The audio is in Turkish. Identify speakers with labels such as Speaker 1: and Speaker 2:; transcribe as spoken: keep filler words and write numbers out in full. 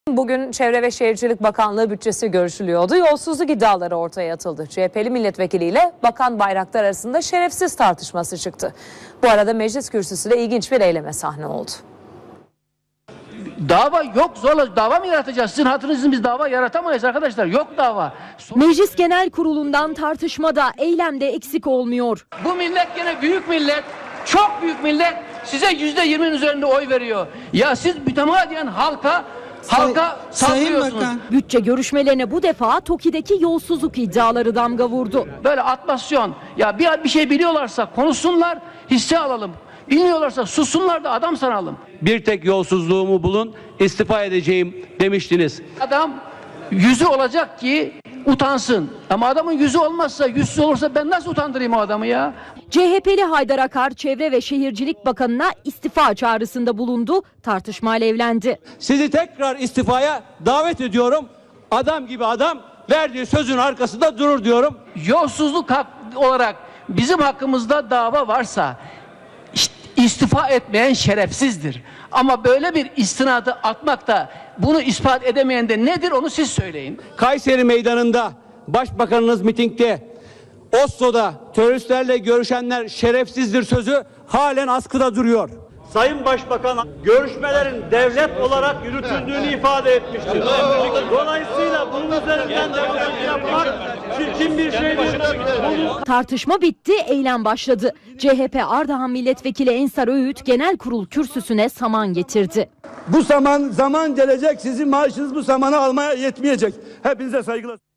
Speaker 1: Bugün Çevre ve Şehircilik Bakanlığı bütçesi görüşülüyordu. Yolsuzluk iddiaları ortaya atıldı. C H P'li milletvekiliyle Bakan Bayraktar arasında şerefsiz tartışması çıktı. Bu arada meclis kürsüsü de ilginç bir eyleme sahne oldu.
Speaker 2: Dava yok, zorla dava mı yaratacağız? Sizin hatırınızın biz dava yaratamayız arkadaşlar. Yok dava.
Speaker 3: Meclis Genel Kurulu'ndan tartışmada, eylemde eksik olmuyor.
Speaker 2: Bu millet gene büyük millet, çok büyük millet size yüzde yirminin üzerinde oy veriyor. Ya siz mütemadiyen halka halka sallıyorsunuz.
Speaker 3: Bütçe görüşmelerine bu defa TOKİ'deki yolsuzluk iddiaları damga vurdu.
Speaker 2: Böyle atmasyon. Ya bir, bir şey biliyorlarsa konuşsunlar, hisse alalım. Bilmiyorlarsa sussunlar da adam sanalım.
Speaker 4: Bir tek yolsuzluğumu bulun, istifa edeceğim demiştiniz.
Speaker 2: Adam yüzü olacak ki utansın. Ama adamın yüzü olmazsa, yüzsüz olursa ben nasıl utandırayım o adamı ya?
Speaker 3: C H P'li Haydar Akar, Çevre ve Şehircilik Bakanı'na istifa çağrısında bulundu. Tartışma alevlendi.
Speaker 4: Sizi tekrar istifaya davet ediyorum. Adam gibi adam verdiği sözün arkasında durur diyorum.
Speaker 2: Yolsuzluk hak olarak bizim hakkımızda dava varsa istifa etmeyen şerefsizdir. Ama böyle bir istinadı atmak da bunu ispat edemeyen de nedir onu siz söyleyin.
Speaker 4: Kayseri Meydanı'nda Başbakanınız mitingde Oslo'da teröristlerle görüşenler şerefsizdir sözü halen askıda duruyor. Sayın Başbakan görüşmelerin devlet olarak yürütüldüğünü ifade etmiştir. Dolayısıyla bunun üzerinden devlet yapmak çirkin bir şey değil.
Speaker 3: Tartışma bitti, eylem başladı. C H P Ardahan Milletvekili Ensar Öğüt Genel Kurul kürsüsüne saman getirdi.
Speaker 5: Bu zaman zaman gelecek, sizin maaşınız bu zamanı almaya yetmeyecek. Hepinize saygılar.